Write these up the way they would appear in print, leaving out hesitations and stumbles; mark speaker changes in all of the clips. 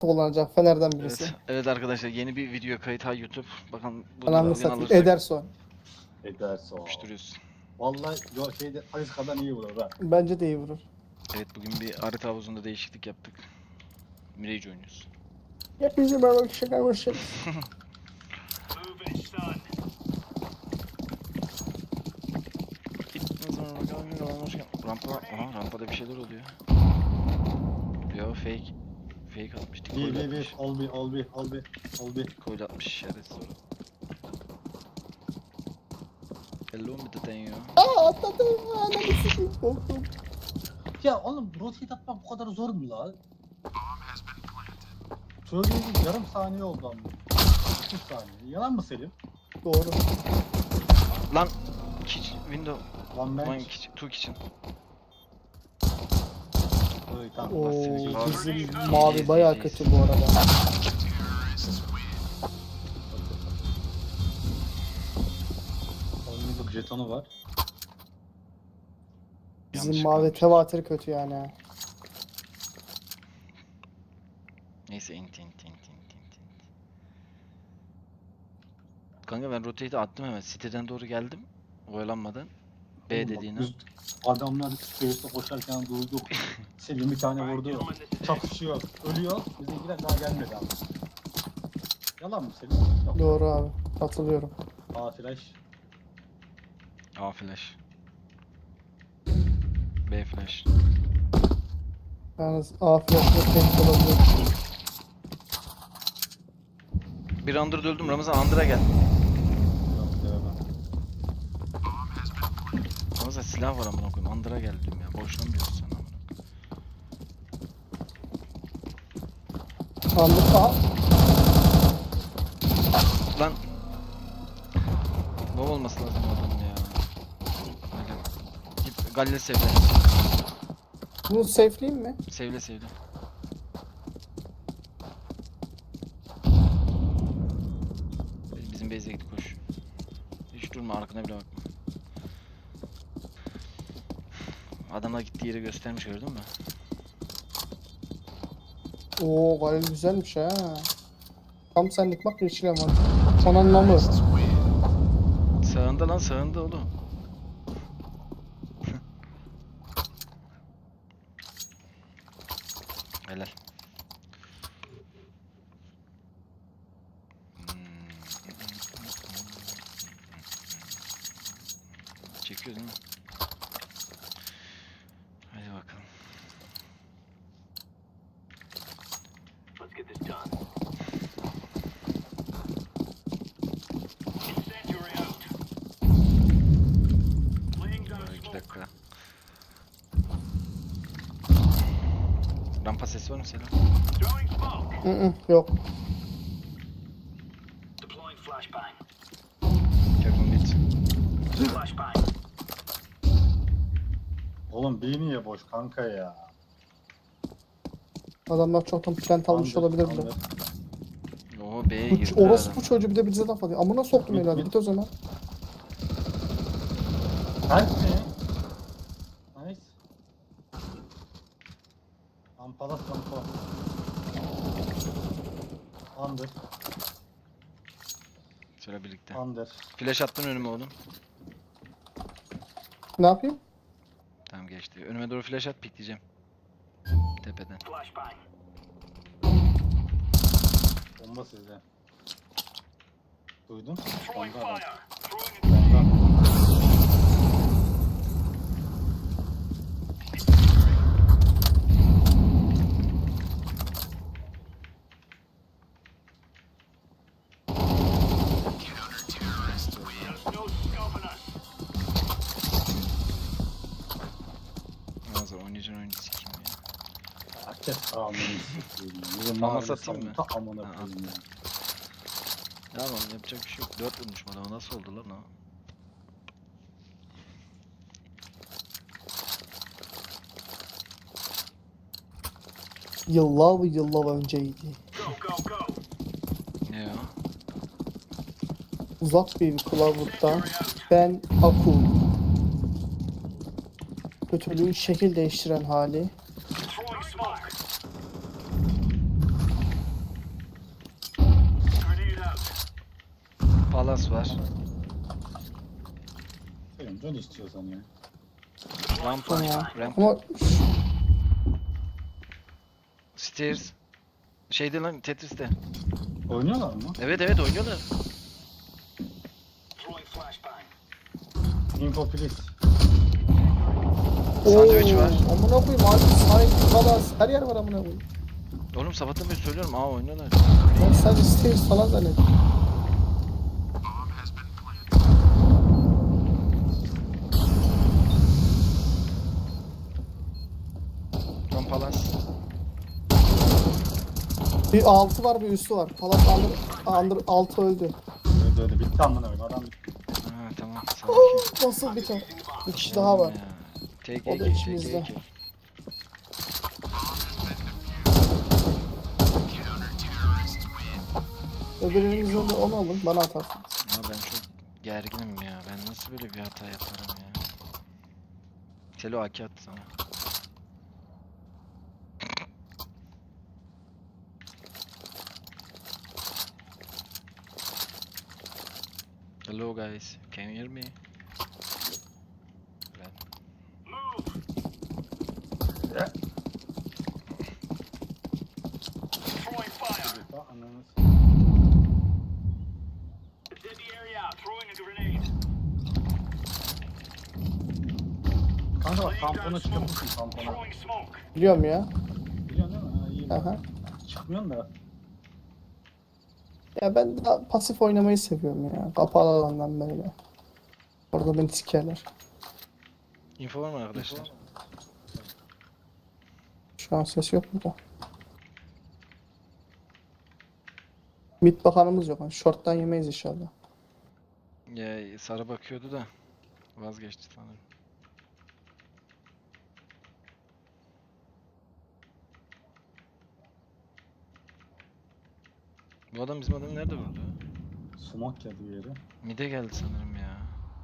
Speaker 1: kullanacak Fener'den birisi.
Speaker 2: Evet, evet arkadaşlar yeni bir video kayıt ha YouTube. Bakalım bu
Speaker 1: Ananı
Speaker 2: dalgın
Speaker 1: satayım.
Speaker 2: alırsak
Speaker 1: Ederson.
Speaker 3: Ederse o.
Speaker 2: yapıştırıyoruz.
Speaker 3: Vallahi yo şeyde Alizka'dan iyi vurur ha.
Speaker 1: Bence de iyi vurur.
Speaker 2: Evet bugün bir harita havuzunda değişiklik yaptık. Mirage oynuyoruz.
Speaker 1: Hepinize merhaba şaka görüşürüz.
Speaker 2: Rampada bir şeyler oluyor. Yo fake. Fake atmış.
Speaker 3: Bir
Speaker 2: Decoy atmış.
Speaker 3: ol bir.
Speaker 2: Decoy atmış şerefsiz. Hello mu deden ya?
Speaker 1: Aa atladım. Ananı satayım. Korktum.
Speaker 3: Ya oğlum rotate atmak bu kadar zor mu la? Söylediğiniz yarım saniye oldu ama. 30 saniye. Yalan mı Selim?
Speaker 1: Doğru.
Speaker 2: Lan window.
Speaker 3: One
Speaker 2: One
Speaker 3: bench.
Speaker 2: kitchen, two kitchen.
Speaker 3: Öyle tamam.
Speaker 1: Oo,
Speaker 3: Seni
Speaker 1: bizim mavi bayağı kötü bu arada.
Speaker 3: Oyunluk jetonu var.
Speaker 1: Bizim
Speaker 2: Yanlış
Speaker 1: mavi
Speaker 2: kalmış.
Speaker 1: tevatür kötü yani. Ha.
Speaker 2: Neyse int. Kanka ben rotate'i attım hemen. Siteden doğru geldim. Oyalanmadan. B
Speaker 3: Oğlum bak,
Speaker 2: dediğine.
Speaker 3: biz adamlar space'te koşarken duyduk. Selim bir tane vurdu. Çatışıyor. Ölüyor. Bizimkiler daha gelmedi abi. Yalan mı Selim? Yok.
Speaker 1: Doğru abi. Katılıyorum.
Speaker 3: A flash.
Speaker 2: A flash. B flash.
Speaker 1: Yalnız A flash'la tek olabilir.
Speaker 2: Bir under'da öldüm. Ramazan under'a gel.
Speaker 3: Yok demem.
Speaker 2: Ramazan silah var amına koyayım. Under'a gel diyorum ya. Boşuna mı diyorsun sen amına?
Speaker 1: Anlık A.
Speaker 2: Lan. Ne olması lazım adamın ya. Hadi. Git Galle sevle.
Speaker 1: Bunu safe'leyeyim mi?
Speaker 2: Sevle. Bizim base'e git koş. Hiç durma arkana bile bakma. Adamlar gittiği yeri göstermiş gördün mü?
Speaker 1: Oo Galil güzelmiş ha. Tam senlik bak yeşil ama. Son anlamı.
Speaker 2: Sağında lan sağında oğlum. Helal. Çekiyor değil mi? Hadi bakalım.
Speaker 4: Let's get this done. Incendiary out. Laying down
Speaker 2: Böyle 2
Speaker 4: smoke.
Speaker 2: dakika. Rampa sesi var mı Selam?
Speaker 4: Throwing smoke.
Speaker 1: Yok.
Speaker 4: Deploying flashbang.
Speaker 2: Careful mid.
Speaker 4: Flashbang.
Speaker 3: Oğlum bir niye boş kanka ya?
Speaker 1: Adamlar çoktan plant almış
Speaker 3: Under,
Speaker 1: olabilir bile.
Speaker 3: under.
Speaker 2: Oo B'ye girdi.
Speaker 1: Orası bu çocuğu bir de bize laf atıyor. Amına soktum
Speaker 3: Mid,
Speaker 1: evladı.
Speaker 3: mid.
Speaker 1: Git o zaman.
Speaker 3: Help mi? Nice. Ampalas rampa. Under.
Speaker 2: Şöyle birlikte.
Speaker 3: Under.
Speaker 2: Flash attın önüme oğlum.
Speaker 1: Ne yapayım?
Speaker 2: Tamam geçti. Önüme doğru flash at pikleyeceğim. Tepeden.
Speaker 4: Flashbang.
Speaker 3: Bomba sizde. Duydun?
Speaker 4: Throwing
Speaker 3: Bomba adam.
Speaker 4: fire. Throwing a
Speaker 3: Bomba.
Speaker 4: There's no scoping us.
Speaker 2: Ramazan oynayacaksın oyunu sikeyim ya.
Speaker 3: Herkes amını sikeyim. Bizim
Speaker 2: Ama
Speaker 3: mahalle
Speaker 2: satayım mı?
Speaker 3: ta amına
Speaker 2: Ha,
Speaker 3: koyayım ya.
Speaker 2: Ya lan yapacak bir şey yok. 4 vurmuş adama nasıl oldu lan o?
Speaker 1: Yıllar önceydi.
Speaker 4: Go, go, go.
Speaker 2: Ne o?
Speaker 1: Uzak bir kılavuzda ben Aku. Kötülüğün şekil değiştiren hali.
Speaker 4: Throwing smoke.
Speaker 2: palas var.
Speaker 3: Selim dön istiyorsan ya.
Speaker 2: Rampa.
Speaker 1: Tamam.
Speaker 2: Ramp.
Speaker 1: Ama
Speaker 2: Stairs. Şeyde lan Tetris'te.
Speaker 3: Oynuyorlar mı?
Speaker 2: Evet evet oynuyorlar.
Speaker 4: Throwing flashbang.
Speaker 3: Info please.
Speaker 2: Sandviç var.
Speaker 1: Amına koyayım abi sahip kalas her yer var amına koyayım.
Speaker 2: Oğlum sabahtan beri söylüyorum. Aa oynuyorlar.
Speaker 1: Ben sadece stairs falan zannettim.
Speaker 2: Son palas.
Speaker 1: Bir altı var bir üstü var. Palas under altı öldü.
Speaker 3: Öyle bitti amına koyayım adam bitti.
Speaker 2: Ha tamam. Sakin.
Speaker 1: Nasıl bir tane? Bir kişi daha var.
Speaker 2: Take
Speaker 1: O da
Speaker 2: AK,
Speaker 1: içimizde.
Speaker 2: take AK.
Speaker 1: Öbürünün üzerinde onu alın bana atarsınız.
Speaker 2: Ya ben çok gerginim ya. Ben nasıl böyle bir hata yaparım ya. Selo AK attı sana. Hello guys, can you hear me? Ben.
Speaker 4: Throwing fire.
Speaker 3: Daha ananı s-
Speaker 4: Dead the area out. Throwing a grenade.
Speaker 3: Kanka bak tampona çıkabilirsin tampona.
Speaker 4: Throwing smoke.
Speaker 1: Biliyorum ya.
Speaker 3: Biliyorsun değil mi? Ha, iyi.
Speaker 1: Aha.
Speaker 3: Çıkmıyorsun da.
Speaker 1: Ya ben daha pasif oynamayı seviyorum ya. Kapalı alandan böyle. Orada beni sikerler.
Speaker 2: Info var mı arkadaşlar?
Speaker 1: Şu an ses yok burada. Mid bakanımız yok. Yani short'tan yemeyiz inşallah.
Speaker 2: Ya Sara bakıyordu da vazgeçti sanırım. Bu adam bizim adamı nerede vurdu?
Speaker 3: Sumak geldi bir yere.
Speaker 2: Mide geldi sanırım ya.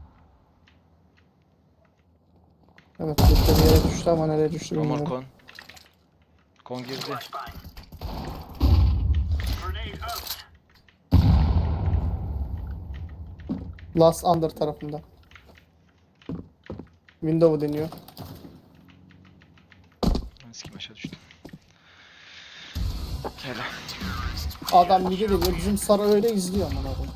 Speaker 1: Evet burada bir yere düştü ama nereye düştü
Speaker 2: Romor
Speaker 1: bilmiyorum.
Speaker 2: kon. Kon girdi.
Speaker 4: Flashbang. Grenade out.
Speaker 1: Last under tarafında. Window'u deniyor.
Speaker 2: Lan sikim aşağı düştüm. Hele.
Speaker 1: Adam mid'e deniyor. Bizim Sara öyle izliyor ama abi.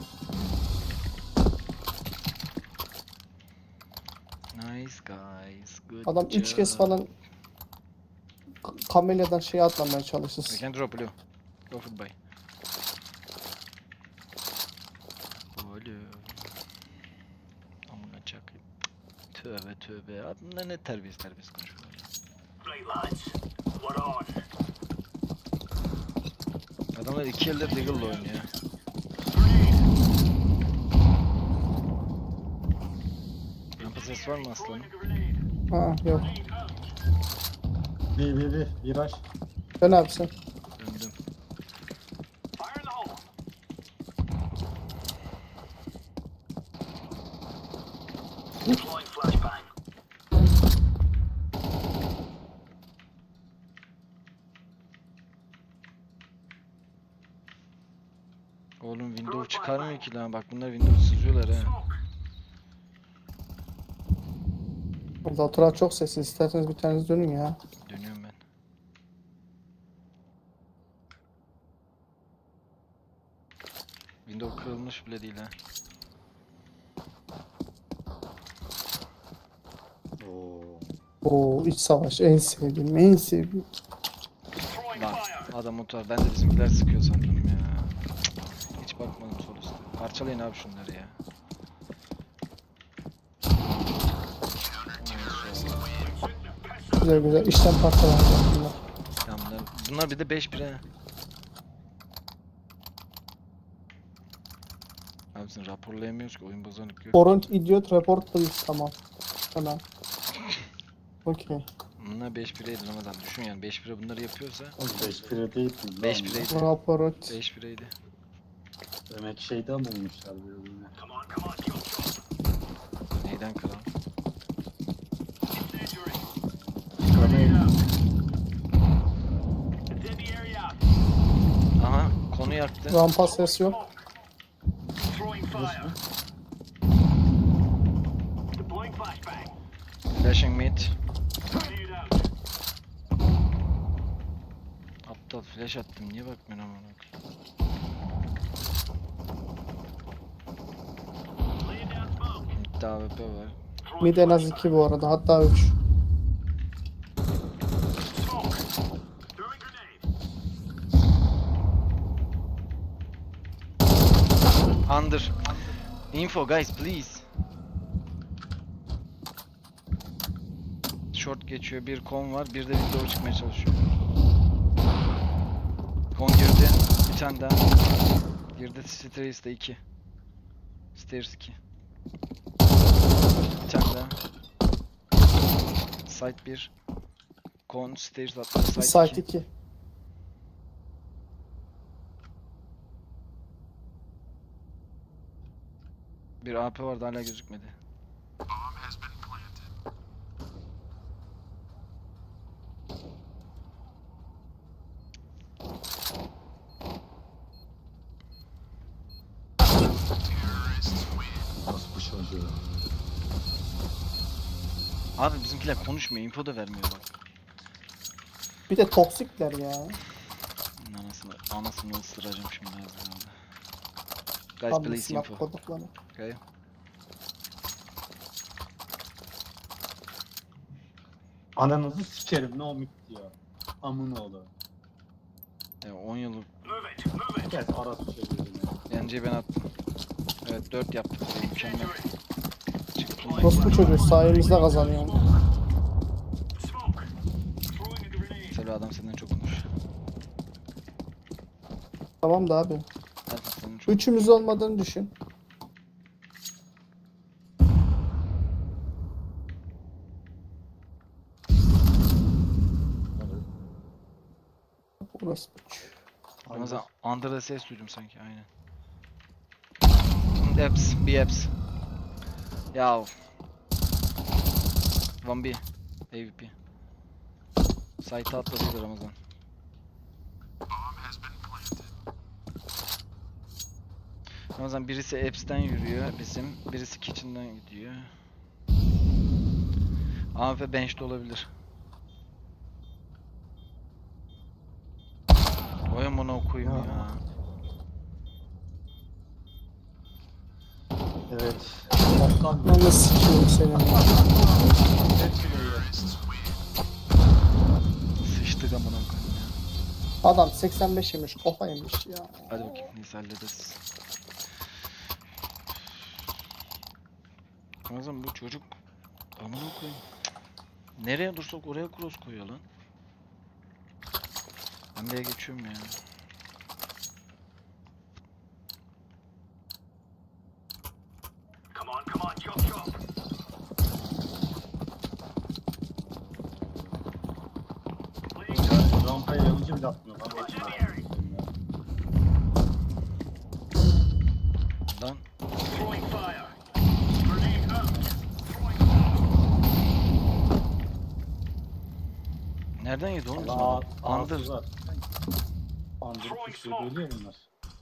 Speaker 2: Nice guys. Good
Speaker 1: Adam 3 kez
Speaker 2: job.
Speaker 1: falan kamelyadan şeye atlamaya
Speaker 2: We
Speaker 1: çalışır.
Speaker 2: can drop blue. Go for buy. Blue. Amına çakayım. Tövbe tövbe. Bunlar ne terbiyesiz konuşuyorlar.
Speaker 4: Right lads. We're on.
Speaker 2: Adamlar iki elde Deagle'la oynuyor. Rampa ses var mı aslanım?
Speaker 4: Throwing a grenade.
Speaker 1: Ha yok.
Speaker 4: Grenade out.
Speaker 3: Bir viraj.
Speaker 1: Dön abi sen.
Speaker 2: Döndüm.
Speaker 4: Fire in the hole. Deploying flashbang.
Speaker 2: Oğlum window çıkarmıyor ki lan. Bak bunlar window sızıyorlar ha.
Speaker 4: Smoke.
Speaker 1: Burada oturan çok sessiz. İsterseniz bir taneniz dönün ya.
Speaker 2: Dönüyorum ben. Window kırılmış bile değil ha.
Speaker 3: Oo.
Speaker 1: Oo iç savaş en sevdiğim en sevdiğim.
Speaker 4: Throwing
Speaker 2: Lan
Speaker 4: fire.
Speaker 2: adam otur. Ben de bizimkiler sıkıyor sandım ya. Cık, hiç bakmadım sol üstte. Parçalayın abi şunları ya.
Speaker 1: Güzel güzel işten parçalanacak bunlar.
Speaker 2: Ya bunlar bir de 5-1 ha. Abi sen raporlayamıyoruz ki oyun bozanlık yok.
Speaker 1: Torrent idiot report please tamam. Tamam. Okey.
Speaker 2: Bunlar 5-1'eydi Ramazan. Düşün yani 5-1'e bunları yapıyorsa
Speaker 3: Oğlum 5-1'e değil mi?
Speaker 2: 5-1'eydi.
Speaker 1: Report.
Speaker 2: 5-1'eydi.
Speaker 3: Demek ki şeyden bulmuşlar birbirine.
Speaker 4: Come on, come on, kill shot.
Speaker 2: Neyden kral?
Speaker 4: Incendiary.
Speaker 3: Grenade.
Speaker 4: Dead the area out.
Speaker 2: Aha konu yaktı.
Speaker 1: Rampa ses yok.
Speaker 4: Smoke. Throwing
Speaker 3: Flash mı?
Speaker 4: Deploying flashbang.
Speaker 2: Flashing mid.
Speaker 4: Grenade out.
Speaker 2: Aptal flash attım. Niye bakmıyorsun amına koyayım?
Speaker 4: Laying down smoke.
Speaker 2: Mid'de AWP var.
Speaker 4: Throwing
Speaker 1: Mid en az 2 bu arada, hatta 3.
Speaker 4: smoke. Throwing grenade.
Speaker 2: Under. Info guys please. Short geçiyor. Bir kon var. Bir de window çıkmaya çalışıyor. Kon girdi. Bir tane daha. Girdi. Stairs'te 2. Stairs 2. Bir tane daha. Site 1. Kon stairs atladı. Site
Speaker 1: Site
Speaker 2: 2.
Speaker 1: 2.
Speaker 2: Bir AP vardı hala gözükmedi.
Speaker 3: Nasıl bu çocuğu?
Speaker 2: Abi bizimkiler konuşmuyor. Info da vermiyor bak.
Speaker 1: Bir de toksikler ya.
Speaker 2: Anasını ısıracağım şimdi ağzına. Guys
Speaker 1: Tam
Speaker 2: please
Speaker 1: silah
Speaker 2: info.
Speaker 1: kodukları.
Speaker 2: Okay.
Speaker 3: Ananızı sikerim ne o mik diyor. Amın oğlu.
Speaker 2: 10 yıllık
Speaker 4: Move it. Move it.
Speaker 3: Kes arası çocuğu.
Speaker 2: yenceyi ben attım. Evet 4 yaptık. Mükemmel. Çıktı.
Speaker 1: Orospu çocuğu sayemizde kazanıyor.
Speaker 4: Smoke. Throwing a grenade.
Speaker 2: Selo adam senden çok konuş.
Speaker 1: Tamam da abi.
Speaker 2: Zaten senden çok.
Speaker 1: Üçümüz olmadığını düşün. Orospu çocuğu.
Speaker 2: Ramazan Under'da ses duydum sanki aynen. Eps, bir Eps. Yav. 1B. AVP. Site'a atladı Ramazan. Ramazan birisi Eps'ten yürüyor bizim, birisi Kitchen'dan gidiyor. AWP bench'te olabilir. Oy amına okuyayım ya.
Speaker 3: Evet. Toptan
Speaker 1: Ben de sikiyim seni.
Speaker 2: Sıçtık amına koyayım ya.
Speaker 1: Adam 85 yemiş, kafa yemiş ya.
Speaker 2: Hadi bakayım neyse hallederiz. Ramazan bu çocuk amına koyayım. Cık. Nereye dursak oraya cross koyuyor lan. Ben B'ye geçiyorum ya.
Speaker 4: Come on, come on. Chop, chop. Laying down.
Speaker 3: rampaya yalıcı bile atmıyor lan.
Speaker 4: Incendiary.
Speaker 2: Lan
Speaker 4: Throwing fire. Grenade out. Throwing
Speaker 2: nereden yedi oğlum bizim
Speaker 3: Aa,
Speaker 2: adam? Under.
Speaker 3: ağzı var. Andır kuşluyor böyle ya bunlar.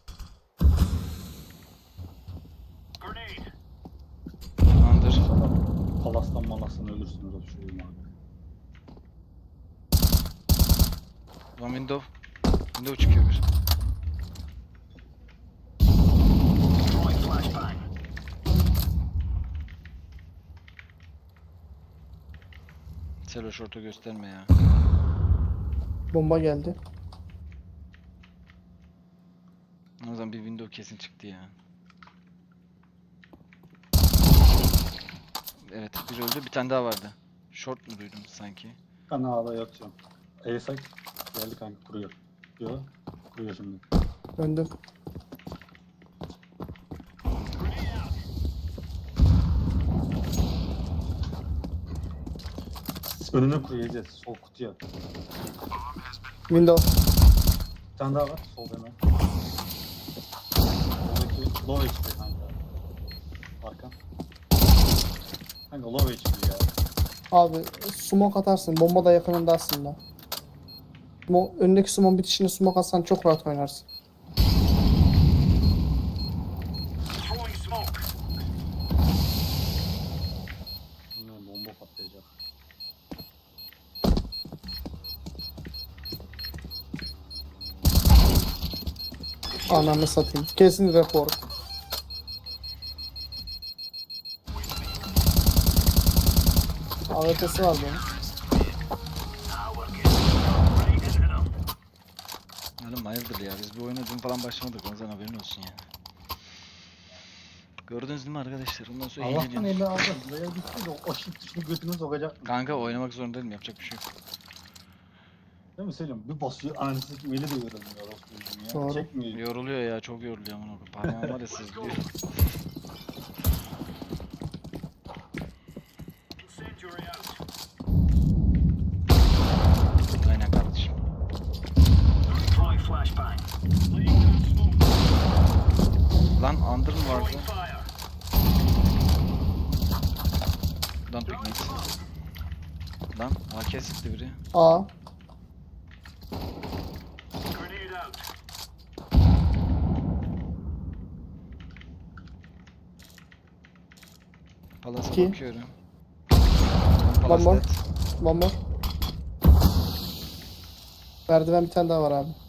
Speaker 4: grenade.
Speaker 2: Under.
Speaker 3: Palastan malastan ölürsünüz o çocuğum abi.
Speaker 2: One window. Window çıkıyor bir.
Speaker 4: Throwing flashbang.
Speaker 2: Selo short'u gösterme ya.
Speaker 1: Bomba geldi.
Speaker 2: O zaman bir window kesin çıktı ya. Evet bir öldü bir tane daha vardı. Short mu duydum sanki?
Speaker 3: Ben ağda yatıyorum. Eysak geldi kanka kuruyor. Yo kuruyor şimdi.
Speaker 1: Döndüm.
Speaker 4: Grenade out.
Speaker 3: Önüne kuruyacağız sol kutuya.
Speaker 1: Window.
Speaker 3: Bir tane daha var sol hemen. Soldaki low HP kanka. Arkan. Kanka low HP ya.
Speaker 1: Abi smoke atarsın. Bomba da yakınında aslında. Önündeki smoke bitişine smoke atsan çok rahat oynarsın.
Speaker 4: Throwing
Speaker 1: Ananı satayım. Kesin rapor. AWP'si var bunun.
Speaker 2: Oğlum hayırdır ya, biz bu oyuna dün falan başlamadık, o zaman haberin olsun yani. Gördünüz değil mi arkadaşlar? Ondan sonra
Speaker 3: Allah'tan
Speaker 2: eğleniyoruz.
Speaker 3: eli aldı. Buraya gitti de o shift tuşunu götünü sokacak.
Speaker 2: Kanka oynamak zorundayım, yapacak bir şey yok.
Speaker 3: Değil mi Selim? Bir basıyor anasını kim eli de yorulmuyor Osman'cığım ya.
Speaker 1: Doğru.
Speaker 3: Çekmiyor.
Speaker 2: Yoruluyor ya, çok yoruluyor amına koyayım. Parmağım var ya sızlıyor.
Speaker 4: Incendiary out.
Speaker 2: Aynen kardeşim.
Speaker 4: Throwing flashbang. Laying down smoke.
Speaker 2: Lan under mı vardı?
Speaker 4: Throwing fire.
Speaker 2: Lan piknik. Lan AK sıktı biri.
Speaker 1: A.
Speaker 4: Grenade out.
Speaker 2: Palas'a
Speaker 1: İki.
Speaker 2: bakıyorum.
Speaker 1: One more.
Speaker 2: dead.
Speaker 1: Bomba. Merdiven bir tane daha var abi.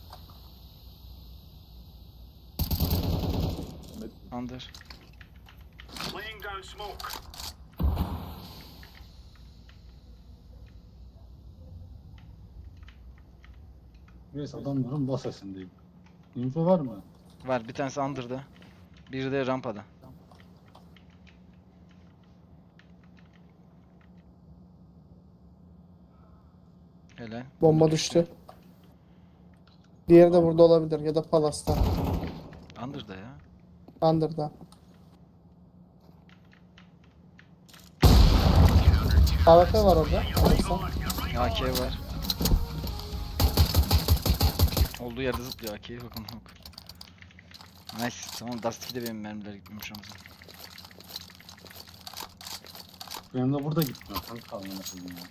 Speaker 2: Under.
Speaker 4: Laying down smoke.
Speaker 3: Neyse adamların bas sesindeyim. Info var mı?
Speaker 2: Var, bir tanesi under'da. Biri de rampada. Helal.
Speaker 1: Bomba düştü. Diğeri de burada olabilir ya da Palas'ta.
Speaker 2: Under'da ya.
Speaker 1: Under'da. AWP var orada. Alırsan.
Speaker 2: AK var. Olduğu yerde zıplıyor AK'ye bakın bak. Nice. Tamam, Dust 2'de benim mermiler gitmemiş Ramazan.
Speaker 3: Benim de burada gitmiyor. Kanka kalmaya koyayım ya.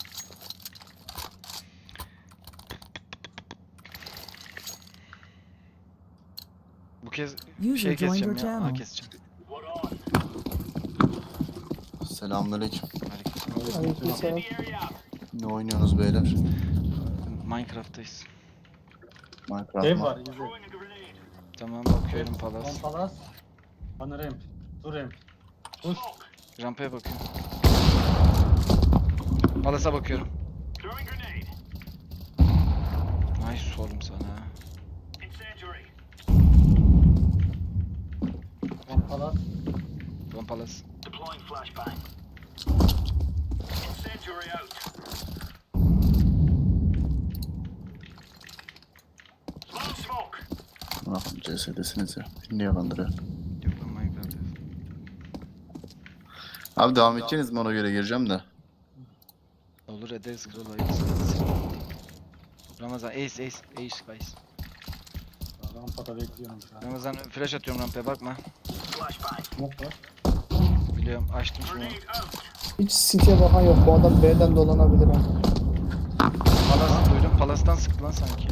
Speaker 2: Bu kez
Speaker 5: User
Speaker 2: şey
Speaker 5: joined
Speaker 2: keseceğim
Speaker 5: your
Speaker 2: ya.
Speaker 5: channel.
Speaker 2: Keseceğim.
Speaker 4: What on?
Speaker 6: Selamünaleyküm.
Speaker 2: Aleykümselam.
Speaker 1: Aleykümselam.
Speaker 4: Incendiary out.
Speaker 6: Ne oynuyorsunuz beyler?
Speaker 2: Minecraft'tayız.
Speaker 6: Minecraft
Speaker 3: Ev
Speaker 6: mı?
Speaker 3: var izle.
Speaker 4: Throwing a grenade.
Speaker 2: Tamam, bakıyorum
Speaker 3: One
Speaker 2: Palas.
Speaker 3: palas. Bana ramp. Dur ramp. Push.
Speaker 2: Rampaya bakıyorum. Palas'a bakıyorum.
Speaker 4: Throwing grenade.
Speaker 2: Nice oğlum sana.
Speaker 4: Incendiary.
Speaker 3: One palas.
Speaker 2: Lan Palas.
Speaker 4: Deploying flashbang. Incendiary out. Throwing smoke.
Speaker 6: Bakın CS'desiniz ya. Beni niye kandırıyor?
Speaker 2: Yok lan, Minecraft'tayız.
Speaker 6: Abi devam edeceğiniz mi, ona göre gireceğim de.
Speaker 2: Olur, ederiz kral, hayırlısı. Ramazan ace.
Speaker 3: Rampada bekliyorum şu an.
Speaker 2: Ramazan flash atıyorum rampaya, bakma.
Speaker 4: Flashbang.
Speaker 3: Smoke var.
Speaker 2: Biliyorum, açtım şunu.
Speaker 4: Grenade out.
Speaker 1: Hiç City'ye bakan yok. Bu adam B'den dolanabilir ha.
Speaker 2: Palas duydum, Palas'tan sıktı lan sanki.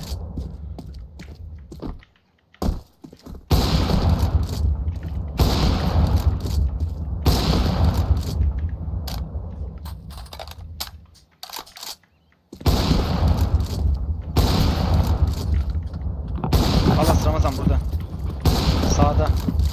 Speaker 2: Palas Ramazan burada. Sağda.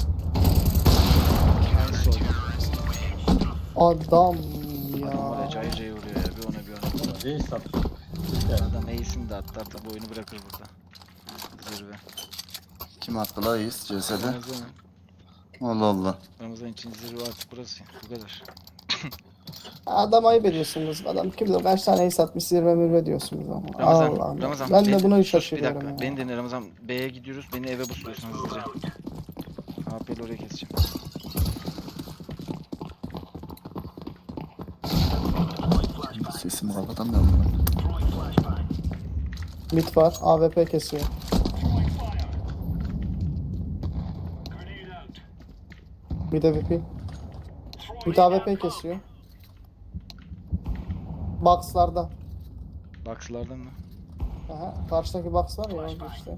Speaker 2: Nice oldu.
Speaker 1: Adam
Speaker 2: Adam oraya
Speaker 1: ya.
Speaker 2: cayır cayır vuruyor ya, bir ona bir ona.
Speaker 3: Valla reis sattı. Yani.
Speaker 2: Adam ace'ini de attı, artık bu oyunu bırakır burada. Zirve.
Speaker 6: Kim attı la Yiğit CS'de?
Speaker 2: Ramazan,
Speaker 6: Allah Allah.
Speaker 2: Ramazan için zirve artık burası. Bu kadar.
Speaker 1: Adam ayıp ediyorsunuz. Adam kim bilir kaç tane ace atmış zirve mürve diyorsunuz ama.
Speaker 2: Ramazan,
Speaker 1: Allah Allah.
Speaker 2: Ramazan.
Speaker 1: Ben de
Speaker 2: beni-
Speaker 1: buna
Speaker 2: sus,
Speaker 1: şaşırıyorum
Speaker 2: Bir
Speaker 1: ya.
Speaker 2: dakika, beni dinle Ramazan. B'ye gidiyoruz, beni eve busluyorsun hızlıca. AP'li oraya keseceğim.
Speaker 6: Sesimi kapatamıyorum ben.
Speaker 4: Throwing flashbang.
Speaker 1: Mid var. AWP kesiyor.
Speaker 4: Throwing fire. Grenade out.
Speaker 1: Mid AWP.
Speaker 4: Throwing
Speaker 1: Mid AWP
Speaker 4: out.
Speaker 1: kesiyor. Box'larda.
Speaker 2: Box'lardan mı?
Speaker 1: Aha, karşıdaki box var ya orada işte.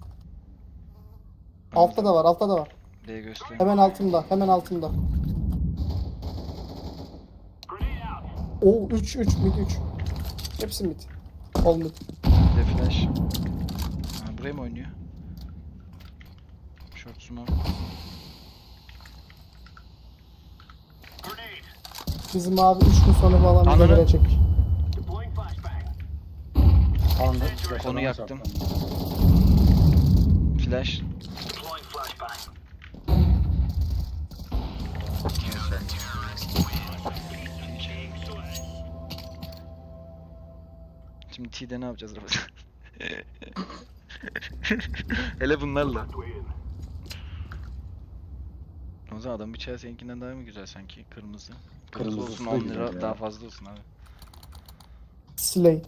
Speaker 1: Altta da var, altta da var.
Speaker 2: B göster.
Speaker 1: Hemen altında, hemen altında.
Speaker 4: Grenade out.
Speaker 1: Oo 3 mid 3. Hepsi mid. All mid.
Speaker 2: Bir de flash. Ha, buraya mı oynuyor? Short smoke.
Speaker 4: Grenade.
Speaker 1: Bizim abi 3 gün sonra falan bize
Speaker 2: Ananı-
Speaker 1: gelecek.
Speaker 4: Deploying flashbang.
Speaker 3: Anladım.
Speaker 2: Konu yaktım. Flash.
Speaker 4: Deploying flashbang.
Speaker 2: Şimdi T'de ne yapacağız Ramazan? Hele bunlarla.
Speaker 4: Win.
Speaker 2: Ramazan adam bıçağı seninkinden daha mı güzel sanki? Kırmızı.
Speaker 3: Kırmızısı
Speaker 2: olsun
Speaker 3: da
Speaker 2: 10
Speaker 3: güzel
Speaker 2: lira
Speaker 3: ya.
Speaker 2: daha fazla olsun abi.
Speaker 1: Slate.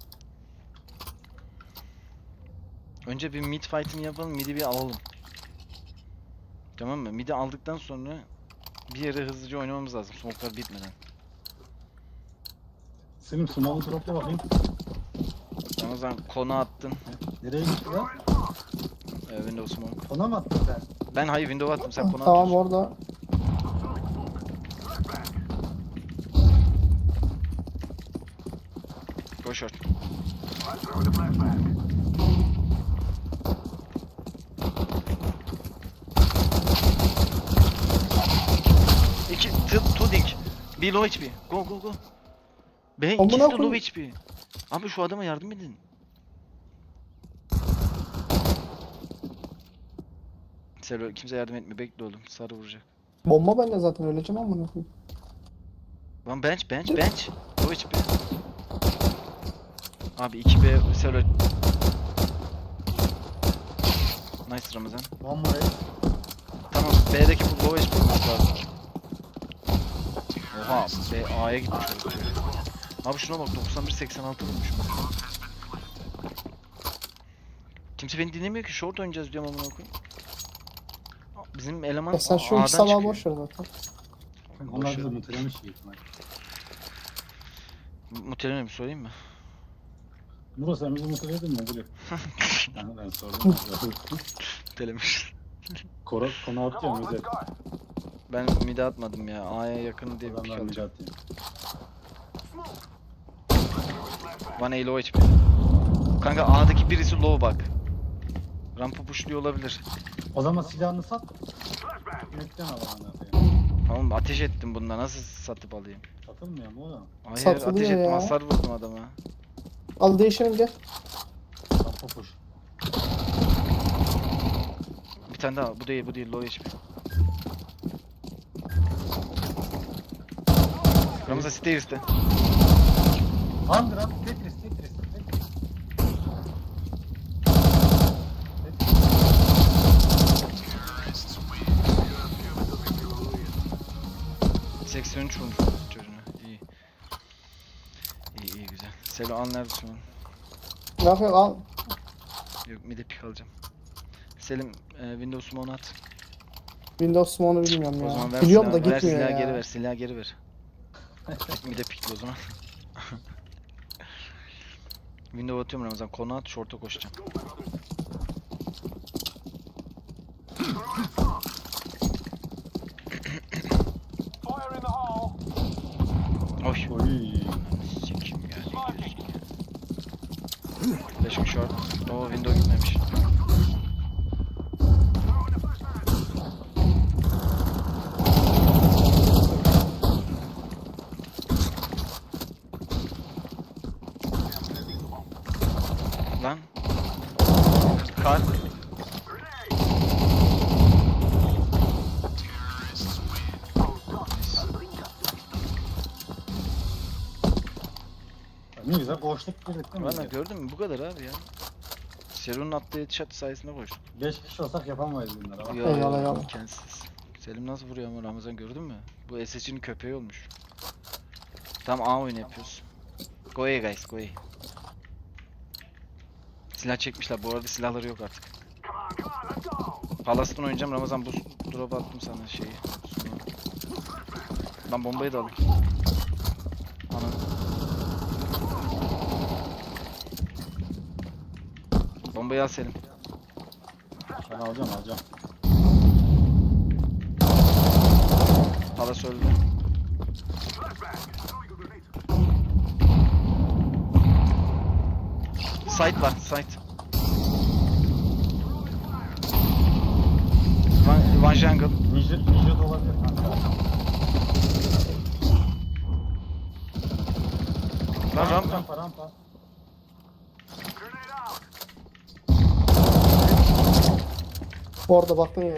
Speaker 2: Önce bir mid fight'ini yapalım, mid'i bir alalım. Tamam mı? Mid'i aldıktan sonra bir yere hızlıca oynamamız lazım smoke'lar bitmeden.
Speaker 3: Selim smoke'u dropla bakayım.
Speaker 2: Ramazan konu attın.
Speaker 3: Nereye gitti lan?
Speaker 2: Window smoke.
Speaker 3: Kona mı attın sen?
Speaker 2: Ben hayır window attım sen konu
Speaker 1: Tamam
Speaker 2: atıyorsun.
Speaker 1: orada.
Speaker 2: Go short. İki, two dink. Bir low HP. Go go go. Be
Speaker 1: Amına
Speaker 2: ikisi de
Speaker 1: koyayım.
Speaker 2: low HP. Abi şu adama yardım edin. Selo kimse yardım etmiyor. Bekle oğlum. Sarı vuracak.
Speaker 1: Bomba bende zaten öleceğim ama ne koyayım.
Speaker 2: Lan bench. Low HP. Abi 2B Selo. Nice Ramazan.
Speaker 3: One more ace.
Speaker 2: Tamam B'deki bu low HP olması lazım. Oha B A'ya gitmiş o. Abi şuna bak 91-86 vurmuşum. Kimse beni dinlemiyor ki short oynayacağız diyorum amına koyayım. Bizim eleman
Speaker 1: Ya sen şu
Speaker 2: A'dan
Speaker 1: iki sabah
Speaker 2: çıkıyor.
Speaker 1: boş ver zaten.
Speaker 3: Onlar
Speaker 2: Boş
Speaker 3: bizi
Speaker 2: ver.
Speaker 3: mutelemiş iyi ihtimal.
Speaker 2: Mutelene mi sorayım mı?
Speaker 3: Murat sen bizi muteledin mi? Biliyorum. Ben sordum.
Speaker 2: Mutelemiş.
Speaker 3: Konu atacağım özel.
Speaker 2: Ben mid'e atmadım ya. A'ya yakın diye bir pick
Speaker 3: Adamlar bir
Speaker 2: alacağım.
Speaker 3: atayım.
Speaker 2: Bana low HP. Kanka A'daki birisi low bak. Rampa pushluyor olabilir.
Speaker 3: O zaman silahını sat. Yüklen al bana.
Speaker 2: Tamam ateş ettim bunda nasıl satıp alayım?
Speaker 3: Satılmıyor mu oğlum?
Speaker 2: Hayır
Speaker 1: Satılıyor
Speaker 2: ateş ettim
Speaker 1: ya.
Speaker 2: hasar vurdum adama.
Speaker 1: Al değişelim gel.
Speaker 3: Rampa push.
Speaker 2: Bir tane daha bu değil low HP. Ramazan Stairs'te.
Speaker 3: Andra, Tetris.
Speaker 2: 83 vurmuş çocuğuna. İyi. İyi güzel. Selo al neredesin oğlum?
Speaker 1: Ne yapıyorsun al.
Speaker 2: Yok mid'e pick alacağım. Selim Windows Smoke'unu at.
Speaker 1: Windows Smoke'unu bilmiyorum
Speaker 2: O
Speaker 1: ya.
Speaker 2: zaman ver
Speaker 1: Biliyorum da
Speaker 2: silahı, ver
Speaker 1: gitmiyor
Speaker 2: silahı
Speaker 1: ya.
Speaker 2: geri ver, silahı geri ver. Mid'e pickle o zaman. Window atıyorum Ramazan, konu at, short'a koşacağım.
Speaker 4: Fire in the hole.
Speaker 2: Oy.
Speaker 3: Oy.
Speaker 2: Sikim yani. Flash'ım short. O window gitmemiş. Lan. Kar.
Speaker 3: Ne güzel boşluk girdik değil mi?
Speaker 2: Valla gördün mü? Bu kadar abi ya. Seru'nun attığı headshot sayesinde koştuk.
Speaker 3: 5 kişi olsak yapamayız bunları. Bak.
Speaker 1: Eyvallah, eyvallah.
Speaker 2: imkansız. Selim nasıl vuruyor ama Ramazan gördün mü? Bu SSG'nin köpeği olmuş. Tam A oyunu yapıyoruz. Go A guys, go A. Silah çekmişler. Bu arada silahları yok artık. Palas'tan oynayacağım. Ramazan bu drop attım sana şeyi. Sunu. Ben bombayı da alayım. Ana. Bombayı al Selim.
Speaker 3: Ben alacağım.
Speaker 2: Palas öldü. Site var, site. One jungle.
Speaker 3: Ninja da olabilir kanka.
Speaker 2: Lan rampa.
Speaker 3: Rampa.
Speaker 4: Grenade out.
Speaker 1: Orada baktın ya.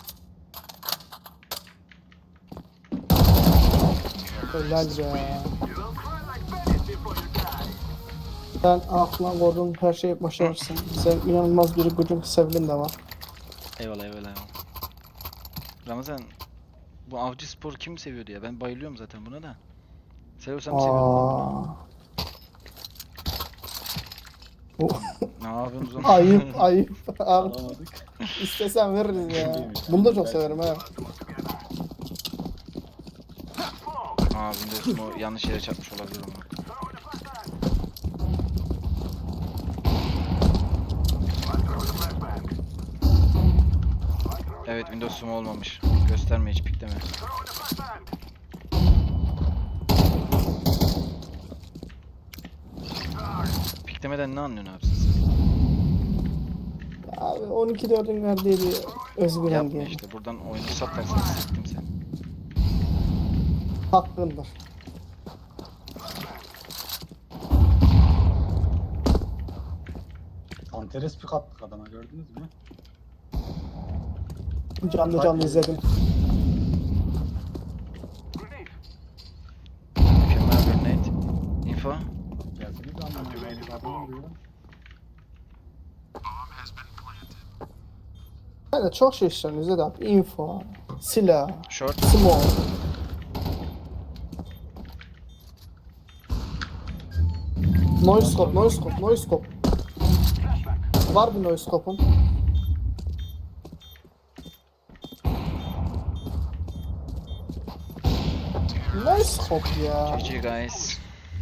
Speaker 1: Helal be.
Speaker 4: You will cry like bandits before you die.
Speaker 1: Sen aklına koyduğun her şeyi başarırsın. Sen inanılmaz bir gücün sevgin de var.
Speaker 2: Eyvallah eyvallah. Ramazan, bu avcı spor kim seviyordu ya? Ben bayılıyorum zaten buna da. Seviyorsam seviyorum ben bunu. Ne yapıyorsunuz oğlum?
Speaker 1: Ayıp ayıp. Abi,
Speaker 3: Alamadık.
Speaker 1: istesen veririz ya. Bunu da çok severim ha.
Speaker 2: Aa Windows mu yanlış yere çarpmış olabilir ama. Evet Windows mu olmamış. Gösterme hiç pikleme. Piklemeden ne anlıyorsun abi siz?
Speaker 1: Abi 12-4'ün verdiği bir özgüven
Speaker 2: Yapma
Speaker 1: diye.
Speaker 2: işte buradan oyunu satarsan siktim seni.
Speaker 1: Hakkındır.
Speaker 3: Antares pik attık adama, gördünüz mü?
Speaker 1: Canlı canlı izledim.
Speaker 2: Mükemmel bir nade. Info.
Speaker 3: Gelseniz anlamıyorum. Adam vuruyor.
Speaker 1: Hani çok şey işlerini izledim abi. Info, silah,
Speaker 2: Short.
Speaker 1: smoke. Noise scope, noise scope, noise scope. Var bir noise scope'un. Noise scope ya.
Speaker 2: GG guys.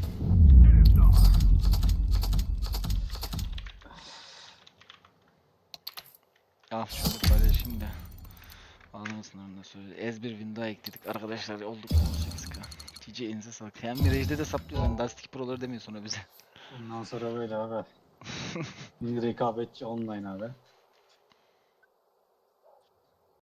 Speaker 2: Al şunu paylaşayım da. Anlamasın ondan sonra. Ez bir win daha ekledik arkadaşlar, olduk 18k. GG elinize sağlık. Hem Mirage'de de saplıyoruz yani Dusty Pro'ları demiyor sonra bize.
Speaker 3: Bundan sonra böyle abi. Bir rekabetçi online abi.